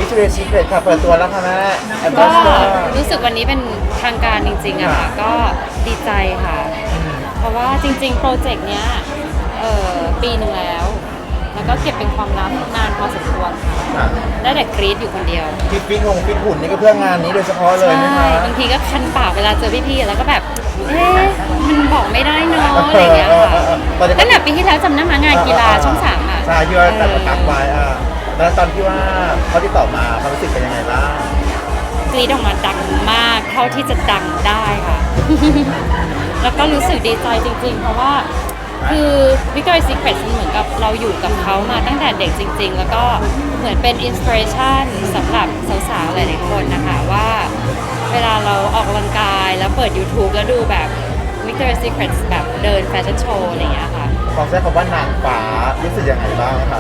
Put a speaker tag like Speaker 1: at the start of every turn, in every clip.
Speaker 1: Victoria's Secret ค่ะเปิดตัวแล้วค่ะแม่แอมบา
Speaker 2: ก็
Speaker 1: สเดอร์
Speaker 2: รู้สึกวันนี้เป็นทางการจริงๆอะค่ะก็ดีใจค่ะ เพราะว่าจริงๆโปรเจกต์เนี้ยปีหนึ่งแล้วก็เก็บเป็นความลับนานพอสมควรค่ะได้แต่กรี๊ดอยู่คนเดียว
Speaker 1: ฟิตหุ่นนี่ก็เพื่องานนี้โดยเฉพาะเลยนะ
Speaker 2: ใช่
Speaker 1: คะ
Speaker 2: บางทีก็คันปากเวลาเจอพี่ๆแล้วก็แบบมันบอกไม่ได้เนาะอะไรอย่างเงี้ยค่ะตั้งแต่ปีที่แล้วจำได้ไหมงานกีฬาช่องสามอะ
Speaker 1: ใช่ที่ว่าแต่ประกาศไว้แล้วตอนที่ว่าเขาติดต่อมาความรู้สึกเป็นยังไงบ้าง
Speaker 2: กรี๊ดออกมาดังมากเท่าที่จะดังได้ค่ะ แล้วก็รู้สึกดีใจจริงๆ เพราะว่าคือ Victoria's Secret เหมือนกับเราอยู่กับเขามาตั้งแต่เด็กจริงๆ แล้วก็เหมือนเป็นอินสปิเรชันสำหรับสาวๆหลายๆคนนะคะว่าเวลาเราออกกำลังกายแล้วเปิด YouTube แล้วดูแบบ Victoria's Secret แบบเดินแฟชั่นโชว์อะไรอย่างเงี้ยค่ะ
Speaker 1: ความใช้คำว่านางฟ้ารู้สึกยังไงบ้างคะ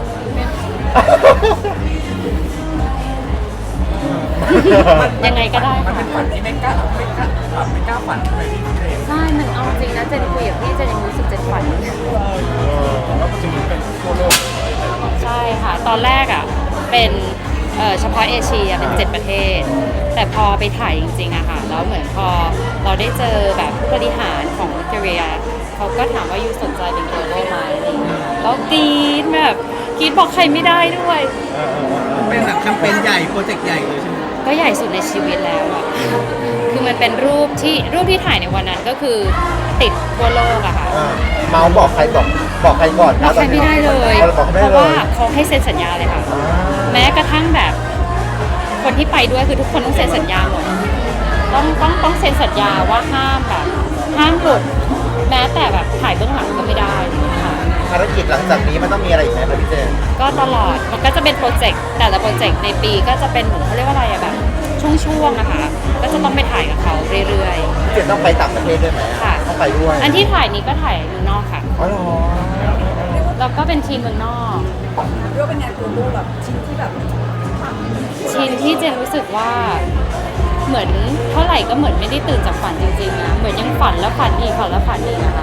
Speaker 2: ยังไงก็ได้
Speaker 3: มัน
Speaker 2: ค่ะ
Speaker 3: เป็นฝันที่ไม่กล้าฝันเลยที่เอง
Speaker 2: ใช่ มันเอาจริงนะเจนคุยกับพี่เจนยังรู้สึกเจนฝัน
Speaker 3: แล้วปัจจุบันเป็นทั่วโลก
Speaker 2: ใช่ค่ะ ตอนแรกอ่ะเป็นเฉพาะเอเชียเป็น7ประเทศ แต่พอไปถ่ายจริงๆอะค่ะแล้วเหมือนพอเราได้เจอแบบผู้บริหารของวิกตอเรียเขาก็ถามว่ายูสนใจเป็น global ไหมอะไรอย่างเงี้ยแล้วกรี๊ดแบบกรี๊ดบอกใครไม่ได้ด้วย
Speaker 4: เป็นแบบแคมเปญใหญ่โปรเจกต์ใหญ่เลยใช่ไหม
Speaker 2: ก็ใหญ่สุดในชีวิตแล้วอะคือมันเป็นรูปที่ถ่ายในวันนั้นก็คือติดทั่วโลกอะค่ะ
Speaker 1: เมาส์บอกใครบอกใครก่อน
Speaker 2: บอกใครไม่ได้เลย
Speaker 1: บอกไม่
Speaker 2: เพ
Speaker 1: ได้
Speaker 2: ราะ
Speaker 1: เล
Speaker 2: ว่าย เขาให้เซ็นสัญญาเลยค่ะ แม้กระทั่งแบบคนที่ไปด้วยคือทุกคนต้องเซ็นสัญญาหมดต้องเซ็นสัญญาว่าห้ามแบบห้ามหลุดแม้แต่แบบถ่ายเบื้องหลังก็ไม่ได้ค่ะ
Speaker 1: ภารกิจหลังจากนี้มันต้องมีอะไรอีกไหมครับพี่เจน
Speaker 2: ก็ตลอดมันก็จะเป็นโปรเจกต์แต่ละโปรเจกต์ในปีก็จะเป็นเหมือนเขาเรียกว่าอะไรอะแบบช่วงๆนะคะก็จะต้องไปถ่ายกับเขาเรื่อย
Speaker 1: พี่เจนต้องไปต่างประเทศด้วยไหม
Speaker 2: ค่ะ
Speaker 1: ต้องไปด้วย
Speaker 2: ๆ อันที่ถ่ายนี้ก็ถ่ายเมืองนอกค่ะ
Speaker 1: อ๋อเหรอ
Speaker 2: แล้วก็เป็นทีมเมืองนอก
Speaker 5: เรียกว่าเป็นงานตัวลูกแบบชิ้นที่แบบ
Speaker 2: ชิ้นที่เจนรู้สึกว่าเหมือนเท่าไหร่ก็เหมือนไม่ได้ตื่นจากฝันจริงๆนะเหมือนยังฝันแล้วฝันอีกฝันแล้วฝันอีกนะคะ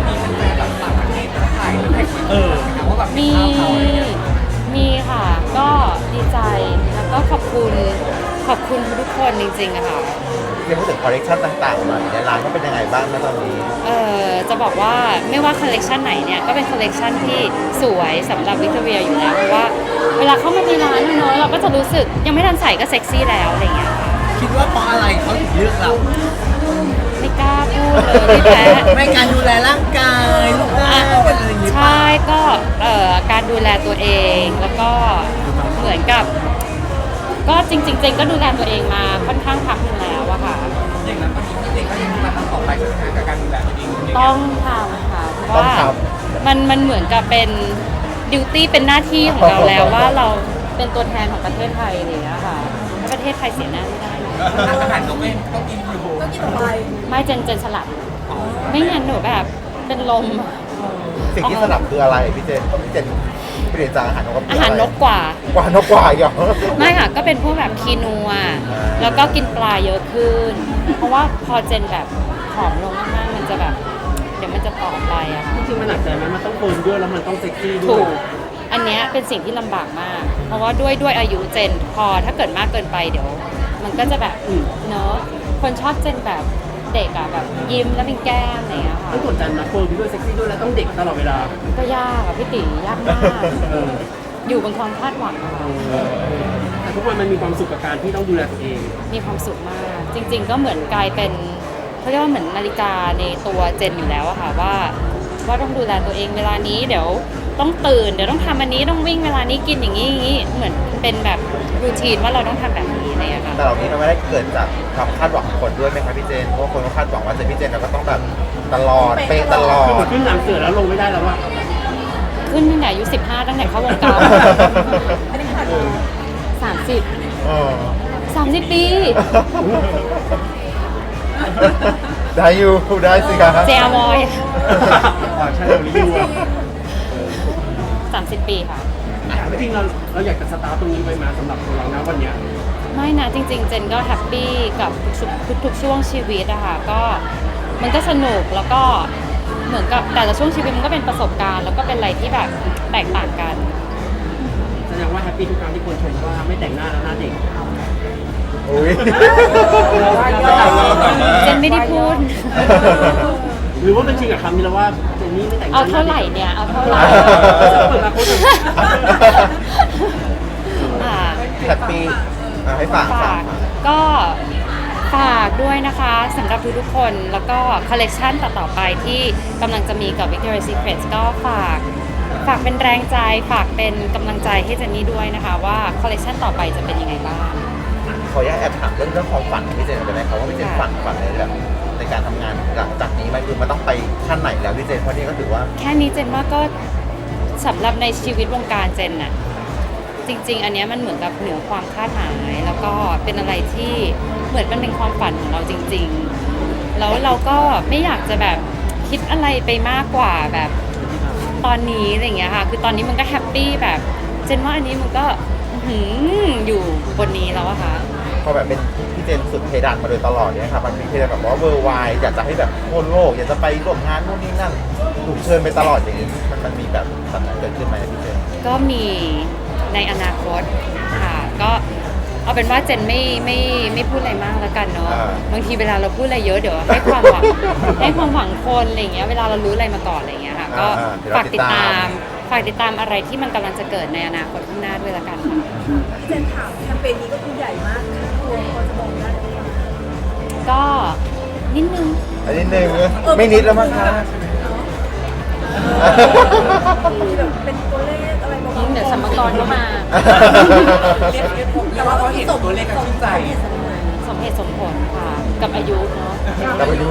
Speaker 3: ว่าแบบ
Speaker 2: มีค่ะ ก็ดีใจแล้วก็ขอบคุณทุกคนจริงๆอะค่ะ
Speaker 1: เจนพูดถึงคอลเลคชันต่างๆหน่อยในร้านก็เป็นยังไงบ้างนะตอนนี้
Speaker 2: จะบอกว่าไม่ว่าคอลเลกชันไหนเนี่ยก็เป็นคอลเลกชันที่สวยสำหรับวิกตอเรียอยู่แล้วเพราะว่าเวลาเข้ามาในร้านเนอะเราก็จะรู้สึกยังไม่ทันใส่ก็เซ็กซี่แล้วอะไรอย่างเงี้ยค่ะ
Speaker 4: คิดว่าเพราะอะไรเขาถึงเลือกเรา
Speaker 2: ไม่กล้าพูดเลยพี่แพ้
Speaker 4: ไม่การดูแลร่างกายลูกหน้าอะไรอย่างงี้ป่ะ
Speaker 2: ใช่ก็การดูแลตัวเองแล้วก็เหมือนกับ ก็จริงๆเจนก็ดูแลตัวเองมาค่อนข้างพักหนึงแล้วอะค่ะ
Speaker 3: อย่างนั้นตอนนี้พี่เองก็ยังมาทำต่อไปใช่ไหมกับการดูแลตัวเอง
Speaker 2: ต้องทำค่ะเพราะว่ามันเหมือนกับเป็นดิวตี้เป็นหน้าที่ของเราแล้วว่าเราเป็นตัวแทนของประเทศไทยอะไรอย่างเงี้ยค่ะถ้าประเทศไทยเสียหน้าไม่ได้เลย
Speaker 3: อาหารก็ไม่ต้องกินอยู่
Speaker 5: ก็กินไป
Speaker 2: ไม่เจนสลับไม่งั้นหนูแบบเป็นลม
Speaker 1: สิ่งที่สลับคืออะไรพี่เจนเปลี่ยนจากอาหารนก
Speaker 2: อาหารนกกว่า
Speaker 1: กว่านกกว่าอีกเหรอ
Speaker 2: ไม่ค่ะก็เป็นพวกแบบคีนัวแล้วก็กินปลาเยอะขึ้น เพราะว่าพอเจนแบบผอมลงมากๆมันจะแบบเดี๋ยวมันจะต่อไปอะค่ะ
Speaker 4: จริงๆมันหนักใจไหมมันต้องโกนด้วยแล้วมันต้องเซ็กซี่ด้
Speaker 2: ถู
Speaker 4: วย
Speaker 2: กอันเนี้ยเป็นสิ่งที่ลำบากมาก เพราะว่าด้วยอายุเจนพอถ้าเกิดมากเกินไปเดี๋ยว มันก็จะแบบเนอะคนชอบเจนแบบเด็กอะแบบยิ้มแล้วเป็นแก้มอะไรอย่างเงี้ยค่ะ
Speaker 4: ต้องกดดันนะโกนด้วยเซ็กซี่ด้วยแล้วต้องเด็กตลอดเวลา
Speaker 2: ก็ยากอะพี่ตียากมาก
Speaker 4: เออ
Speaker 2: อยู่บนความคาดหวังอะค่ะ
Speaker 4: แต่ทุกวันมันมีความสุขกับการที่ต้องดูแลตัวเอง
Speaker 2: มีความสุขมาก จริง ๆ ก็เหมือนกลายเป็นเขาเรียกว่าเหมือนนาฬิกาในตัวเจนอยู่แล้วอะค่ะว่าต้องดูแลตัวเองเวลานี้เดี๋ยวต้องตื่นเดี๋ยวต้องทำอันนี้ต้องวิ่งเวลานี้กินอย่างนี้เหมือนเป็นแบบรูทีนว่าเราต้องทำแบบนี้อะไรอย่างเงี้ยค่ะ
Speaker 1: แต่เหล่านี้มันไม่ได้เกิดจากความคาดหวังของคนด้วยไหมครับพี่เจน เพราะว่าคนก็คาดหวังว่าเจนพี่เจนเราก็ต้องแบบตลอดเป๊ะตลอ
Speaker 4: คือเหมื
Speaker 1: ด
Speaker 4: อนขึ้นหลังเสือแล้วลงไม่ได้แล้วว่า
Speaker 2: ขึ้นตั้งแต่อายุ15ตั้งแต่เข้าวงการ
Speaker 5: อันนี้ผ่านมา
Speaker 2: 30
Speaker 1: เออ
Speaker 2: 30 ปี
Speaker 1: ได้อยู่ได้สิครับ
Speaker 2: เจอมอย
Speaker 4: ใช่เรารีวิวอะ
Speaker 2: 30 ปีค่ะ
Speaker 4: จริงๆเราอยากจะสตาร์ทตรงนี้ไปมาสำหรับตัวเรานะวันเนี้ย
Speaker 2: ไม่นะจริงๆ เจนก็แฮปปี้กับทุกช่วงชีวิตอะค่ะก็มันก็สนุกแล้วก็เหมือนกับแต่ละช่วงชีวิตมันก็เป็นประสบการณ์แล้วก็เป็นอะไรที่แบบแตกต่างกัน
Speaker 4: แสดงว่าแฮปปี้ทุกครั้งที่คนชมว่าไม่แต่งหน้าแล้วหน้าเด็ก
Speaker 1: อุ้ย
Speaker 2: เจนไม่ได้พูด
Speaker 4: หรือว่าเป็นจริงกับคำนี้แล้วว่าเจนนี่ไม่แต่งหน้า
Speaker 2: เอาเท่าไหร่เนี่ย เอาเท่าไหร่
Speaker 4: เปิดมาโค้ด
Speaker 2: อ่า
Speaker 1: แฮปปี้ให้ฝาก
Speaker 2: ฝากก็ฝากด้วยนะคะสำหรับทุกๆคนแล้วก็คอลเลกชันต่อๆไปที่กำลังจะมีกับ Victoria's Secret ก็ฝากเป็นแรงใจฝากเป็นกำลังใจให้เจนนี่ด้วยนะคะว่าคอลเลกชันต่อไปจะเป็นยังไงบ้าง
Speaker 1: ขออนุญาตแอบถามเรื่องความฝันของพี่เจนได้ไหมครับว่าพี่เจนฝันในแบบในการทำงานหลังจากนี้มันคือมันต้องไปขั้นไหนแล้วพี่เจนเพราะนี่ก็ถือว่า
Speaker 2: แค่นี้เจนว่าก็สำหรับในชีวิตวงการเจนน่ะจริง ๆ อันเนี้ยมันเหมือนกับเหนือความคาดหมายแล้วก็เป็นอะไรที่เหมือนมันเป็นความฝันของเราจริง ๆ แล้วเราก็ไม่อยากจะแบบคิดอะไรไปมากกว่าแบบตอนนี้อะไรอย่างเงี้ยค่ะคือตอนนี้มันก็แฮปปี้แบบเจนว่าอันนี้มันก็อยู่บนนี้แล้วอะค่ะ
Speaker 1: พอแบบเป็นพี่เจนสุดเพดานมาโดยตลอดเนี่ยครับมันมีเพดานแบบว่าเวอร์ไวอยากจะให้แบบทั่วโลกอยากจะไปร่วมงานนู่นนี่นั่นถูกเชิญไปตลอดอย่างนี้มันมีแบบสัมผัสเกิดขึ้นไหมพี่เจน
Speaker 2: ก็มีในอนาคตค่ะก็เอาเป็นว่าเจนไม่พูดอะไรมากแล้วกันเนาะบางทีเวลาเราพูดอะไรเยอะเดี๋ยวให้ความหวัง ให้ความหวังคนอะไรอย่างเงี้ยเวลาเรารู้อะไรมาก่อนอะไรอย่างเงี้ยค่ะก็ฝากติดตามอะไรที่มันกำลังจะเกิดในอนาคตข้างหน้าด้วยละกันค่ะ
Speaker 5: พี่เจนถามแคมเปญนี้ก็คือใหญ่มากค่าตัวพอจะบอกได้ไหมคะ
Speaker 2: ก็นิดนึง
Speaker 1: อันนี้หนึ่งไม่นิดแล้วมั้งคะ
Speaker 5: มีแบบเป็นตัวเลขอะไรบ้าง
Speaker 2: เดี๋ยวสัมภาระก็มา
Speaker 3: แต่ว่าเขาเห็นตัวเลขกันชื่นใจ
Speaker 2: สมเหตุสมผลค่ะ กับอายุเนาะ
Speaker 1: เราไปดู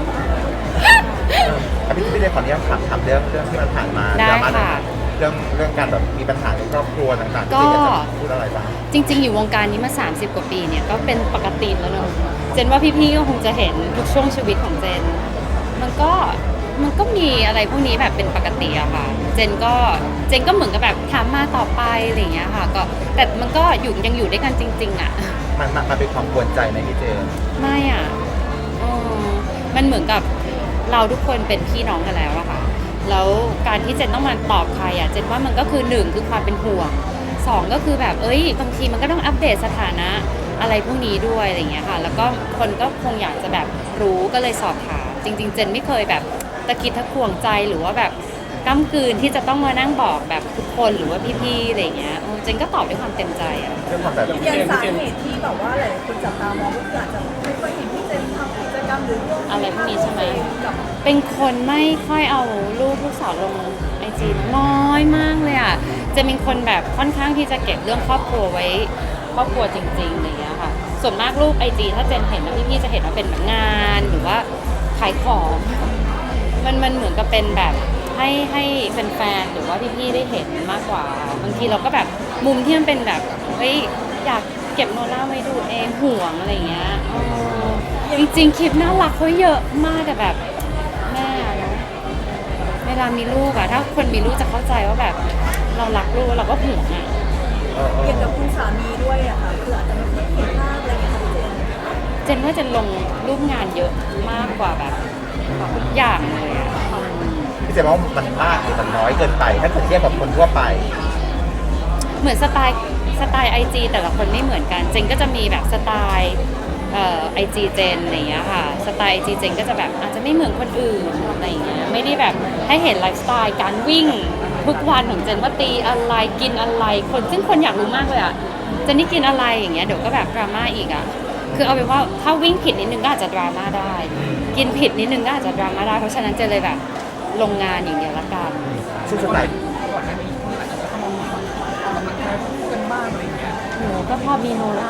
Speaker 1: พี่เจนขออนุญาตถามเรื่องที่มันผ่านมา
Speaker 2: ได้
Speaker 1: ดราม่า
Speaker 2: ค่ะ
Speaker 1: เรื่องการแบบมีปัญหาในครอบครัวต่างๆ
Speaker 2: ก็
Speaker 1: พี่เจนอยากจะพูดอะไรบ้าง
Speaker 2: จริง ๆ อยู่วงการนี้มา 30 กว่าปีเนี่ยก็เป็นปกติแล้วเนอะเจนว่าพี่ๆก็คงจะเห็นทุกช่วงชีวิตของเจน มันก็มีอะไรพวกนี้แบบเป็นปกติอะค่ะ เจนก็เหมือนกับแบบถามมาต่อไปอะไรอย่างเงี้ยค่ะก็แต่มันก็ยังอยู่ด้วยกันจริง ๆอะ
Speaker 1: มันเป็นความกวนใจไหมพี่เจน
Speaker 2: ไม่อ่ะเออมันเหมือนกับเราทุกคนเป็นพี่น้องกันแล้วอะค่ะ แล้วการที่เจนต้องมาตอบใครอะเจนว่ามันก็คือ1คือความเป็นห่วง2ก็คือแบบบางทีมันก็ต้องอัปเดตสถานะอะไรพวกนี้ด้วยอะไรอย่างเงี้ยค่ะ แล้วก็คนก็คงอยากจะแบบรู้ก็เลยสอบถามจริง ๆ เจนไม่เคยแบบตะกิดตะขวงใจหรือว่าแบบก้ำกืนที่จะต้องมานั่งบอกแบบทุกคนหรือว่าพี่ๆอะไรอย่างเงี้ยเจนก็ตอบด้วยความเต็มใจอะ
Speaker 1: เรื่องความแบบ
Speaker 5: อย่างสาเหตุที่แบบว่าหลายคนจับตามองก็คืออาจจะไม่ค่อยเห็นพี่เจนทำกิจกรรมหรือร่วม
Speaker 2: อะไรพวกนี้ใช่ไหม
Speaker 5: กับ
Speaker 2: เป็นคนไม่ค่อยเอารูปลูกสาวลงไอจีน้อยมากเลยอ่ะ จะเป็นคนแบบค่อนข้างที่จะเก็บเรื่องครอบครัวไว้ครอบครัวจริงๆอะไรอย่างเงี้ยค่ะ ส่วนมากรูปไอจีถ้าเจนเห็นนะพี่ๆจะเห็นว่าเป็นแบบงานหรือว่าขายของ มันเหมือนกับเป็นแบบให้แฟนๆหรือว่าพี่ๆได้เห็นมากกว่า บางทีเราก็แบบมุมที่มันเป็นแบบอยากเก็บโนล่าไว้ดูเองห่วงอะไรอย่างเงี้ยจริงๆคลิปน่ารักเขาเยอะมากแต่แบบแม่เนอะเวลามีลูกอะถ้าคนมีลูกจะเข้าใจว่าแบบเรารักลูกเราก็ห่วงอะ
Speaker 5: เกี่ยวกับคุณสามีด้วยอะค่ะคืออาจจะไม่ค่อยเห็นภาพอะไรอย่างเงี้ยค่ะพี่เจน
Speaker 2: เจนว่าเจนลงรูปงานเยอะมากกว่าแบบทุกอย่างเลยอะ
Speaker 1: พี่เจนว่ามันมากหรือมันน้อยเกินไปถ้าเทียบกับคนทั่วไป
Speaker 2: เหมือนสไตล์ไอจีแต่ละคนไม่เหมือนกัน เจนก็จะมีแบบสไตล์ไอจีเจนอะไรอย่างเงี้ยค่ะสไตล์ไอจีเจนก็จะแบบอาจจะไม่เหมือนคนอื่นอะไรอย่างเงี้ยไม่ได้แบบให้เห็นไลฟ์สไตล์การวิ่งทุกวันของเจนว่าตีอะไรกินอะไรซึ่งคนอยากรู้มากเลยอะเจนนี่กินอะไรอย่างเงี้ยเดี๋ยวก็แบบดราม่าอีกอะคือเอาเป็นว่าถ้าวิ่งผิดนิดนึงก็อาจจะดราม่าได้ กินผิดนิดนึงก็อาจจะดราม่าได้เพราะฉะนั้นเจนเลยแบบลงงานอย่างเดียวละกัน
Speaker 1: ซึ่งส่วนใหญ่
Speaker 3: ก่อนหน้านี้คนอาจจะเข้ามาออกกำลังกายคู่กันบ้างอะไรอย่างเงี้ย
Speaker 2: หนูก็พอมีโนล่า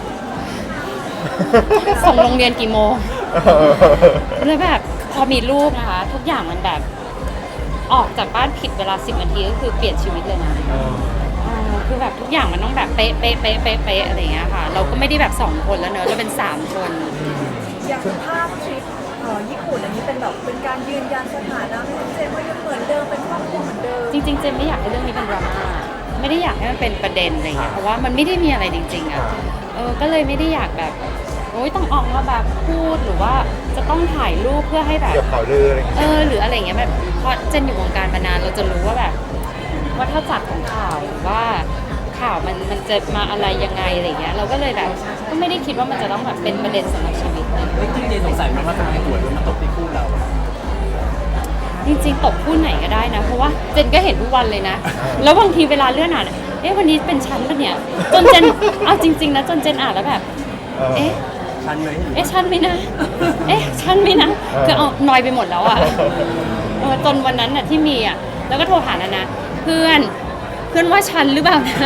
Speaker 2: ส่งโรงเรียนกี่โมง แล้วแบบพอมีลูกนะคะ ทุกอย่างมันแบบออกจากบ้านผิดเวลา10 นาทีก็คือเปลี่ยนชีวิตเลยนะคือแบบทุกอย่างมันต้องแบบเป๊ะเป๊ะเป๊ะเป๊ะเป๊ะอะไรอย่างเงี้ยค่ะ เราก็ไม่ได้แบบ2 คนแล้วเนอะเราเป็น3 คน
Speaker 5: อย่างภาพทริปญี่ปุ่นอันนี้เป็นแบบเป็นการยืนยันสถานะให้พี่เจนว่ายังเหมือนเดิมเป็นครอบครัวเหมือนเดิม
Speaker 2: จริงๆเจนไม่อยากให้เรื่องนี้เป็นดราม่าไม่ได้อยากให้มันเป็นประเด็นอะไรเงี้ยเพราะว่ามันไม่ได้มีอะไรจริงๆอ่ะก็เลยไม่ได้อยากแบบต้องออกมาแบบพูดหรือว่าจะต้องถ่ายรูปเพื่อให้แบบ
Speaker 1: เกี่ยวกับข่าวลืออะไรอย่างเงี้ย
Speaker 2: หรืออะไรเงี้ยแบบเพราะเจนอยู่วงการมานานเราจะรู้ว่าแบบวัฏจักรของข่าวหรือว่าข่าวมันจะมาอะไรยังไงอะไรเงี้ยเราก็เลยแบบก็ไม่ได้คิดว่ามันจะต้องแบบเป็นประเด็นสำหรับชีวิตนะ
Speaker 4: จริงๆเจนสงสัยไหมว่าทำไมหวยมันมาตกที่คู่เรา
Speaker 2: จริงๆตกคู่ไหนก็ได้นะ เพราะว่าเจนก็เห็นทุกวันเลยนะ แล้วบางทีเวลาเลื่อนอ่านวันนี้เป็นฉันปะเนี่ยจนเจนเอาจริงๆนะจนเจนอ่านแล้วแบบเอ๊ะ
Speaker 4: ชันไหม
Speaker 2: ฉันไหมนะฉันไหมนะคือเอานอยไปหมดแล้วอ่ะจนวันนั้นน่ะที่มีอ่ะแล้วก็โทรหานานะเพื่อนว่าฉันหรือเปล่านะ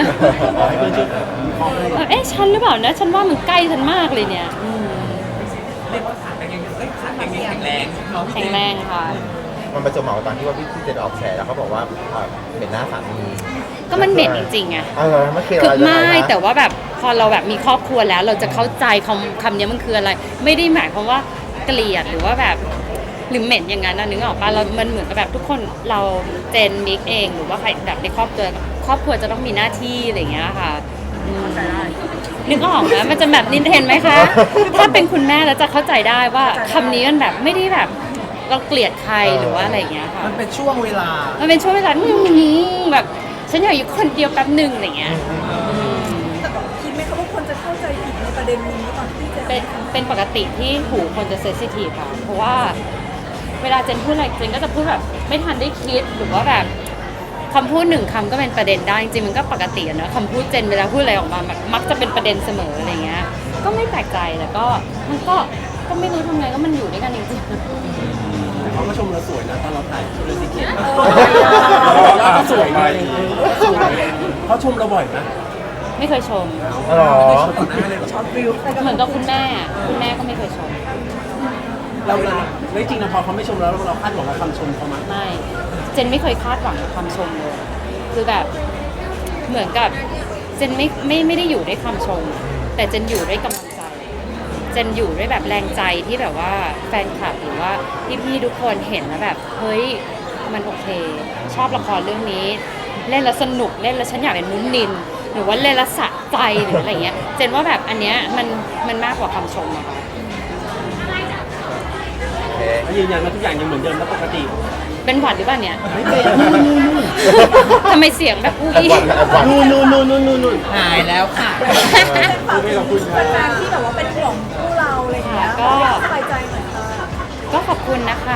Speaker 2: ฉันหรือเปล่านะฉันว่ามันใกล้ฉันมากเลยเนี่ย
Speaker 3: เรียกว่าขาแข็งยังขาแข็งยังแข็งแรงเนาะพี่
Speaker 2: แข็
Speaker 3: เจ
Speaker 2: ง
Speaker 3: น
Speaker 2: แรงค่ะ
Speaker 1: มันประจวบเหมาะกับตอนที่ว่าพี่เจนออกแฉแล้วเขาบอกว่าเป็นหน้าสามี
Speaker 2: ก็มันเหม็นจริงๆไง
Speaker 1: ไม่เคย
Speaker 2: คือ
Speaker 1: อะไร
Speaker 2: ไม่
Speaker 1: นะ
Speaker 2: แต่ว่าแบบพอเราแบบมีครอบครัวแล้วเราจะเข้าใจคำนี้มันคืออะไร ไม่ได้หมายความว่าเกลียดหรือว่าแบบหรือเหม็นอย่างนั้นนะนึกออกปะเรามันเหมือนกับแบบทุกคนเราเจนมิกเองหรือว่าใครแบบในครอบครัวจะต้องมีหน้าที่อะไรอย่างเงี้ยค่ะนึกออกนะมันจะแบบนินเทนไหมคะ ถ้าเป็นคุณแม่แล้วจะเข้าใจได้ว่าคำนี้มันแบบไม่ได้แบบเราเกลียดใครหรือว่าอะไรอย่างเงี้ยค่ะ
Speaker 3: มันเป็นช่วงเวลา
Speaker 2: มันเป็นช่วงเวลาแบบฉันอยากอยู่คนเดียวแป๊บหนึ่งอะไรเงี้ย
Speaker 5: แต่แบบคิดไหมคะว่าคนจะเข้าใจผิดในประเด็นนี้ตอนที่เจน
Speaker 2: เป็นปกติที่หูคนจะเซนซิทีฟค่ะเพราะว่าเวลาเจนพูดอะไรเจนก็จะพูดแบบไม่ทันได้คิดหรือว่าแบบคำพูดหนึ่งคำก็เป็นประเด็นได้จริงๆมันก็ปกติอะเนอะคำพูดเจนเวลาพูดอะไรออกมามักจะเป็นประเด็นเสมออะไรเงี้ยก็ไม่แปลกใจแต่ก็มันก็ไม่รู้ทำไงก็มันอยู่ด้วยกันจริงๆ
Speaker 4: แต่เขาก็ชมเราสวยนะตอนเราถ่ายเรื่องสิเกตเราก็สวยไงเขาชมเราบ่อยนะ
Speaker 2: ไม่เคยชม
Speaker 1: หรอ
Speaker 5: ช็อตวิว
Speaker 2: เหมือนกับคุณแม่ก็ไม่เคยชม
Speaker 4: เราแล้วจริงๆนะพอเขาไม่ชมเราคาดหวังกับคำชมเขามั้ย
Speaker 2: ไม่เจนไม่เคยคาดหวังกับคำชมเลยคือแบบเหมือนกับเจนไม่ได้อยู่ด้วยคำชม แต่เจนอยู่ด้วยกำลังใจเจนอยู่ด้วยแบบแรงใจที่แบบว่าแฟนคลับหรือว่าพี่ๆทุกคนเห็นแล้วแบบเฮ้ยมันโอเค ชอบละครเรื่องนี้ เล่นแล้วสนุกเล่นแล้วฉันอยากเป็นนุ้นนินหรือว่าเล่นแล้วสะใจหรืออะไรเงี้ยเจนว่าแบบอันเนี้ยมันมากกว่าคำชมอะค่ะ
Speaker 4: ยืนยันว่าทุกอย่างยังเหมือนเดิมและปกติ
Speaker 2: เป็นหวัดหรือเปล่าเนี่ย
Speaker 4: ไม่เป็น
Speaker 2: ทำไมเสียงแบบอุ้ย
Speaker 4: นู่น
Speaker 3: หายแล้วค่ะ
Speaker 5: ฝากถึงแฟนๆที่แบบว่าเป็นห่วงคู่เราอะไรอย่างเงี้ยสบายใจหน่อยค่ะ
Speaker 2: ก็ขอบคุณนะคะ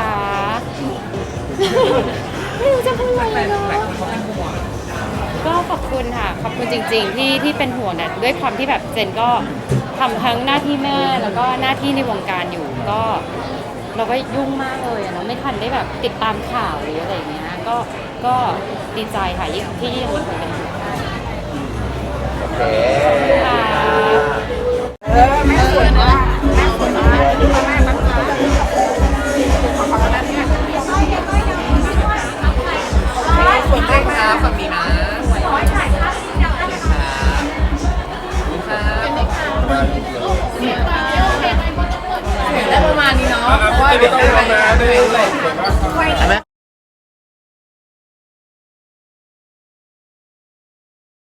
Speaker 2: ไม่รู้จะพูดอะไรเลย
Speaker 3: หลายคนเขาเป็นห่วง
Speaker 2: ก็ขอบคุณค่ะ ขอบคุณจริงๆที่เป็นห่วงเนี่ยด้วยความที่แบบเจนก็ทำทั้งหน้าที่แม่แล้วก็หน้าที่ในวงการอยู่ก็เราก็ยุ่งมากเลยอะเนาะไม่ทันได้แบบติดตามข่าวหรืออะไรอย่างเงี้ยก็ดีใจค่ะที่ยังมีคนเป็นห่วง
Speaker 1: โอเค
Speaker 2: ค่ะ
Speaker 3: ส่วนแรกนะฝั่งนี้นะได้ประมาณนี้เนาะเพราะว่าเดี๋ยวต้องมาได้เลย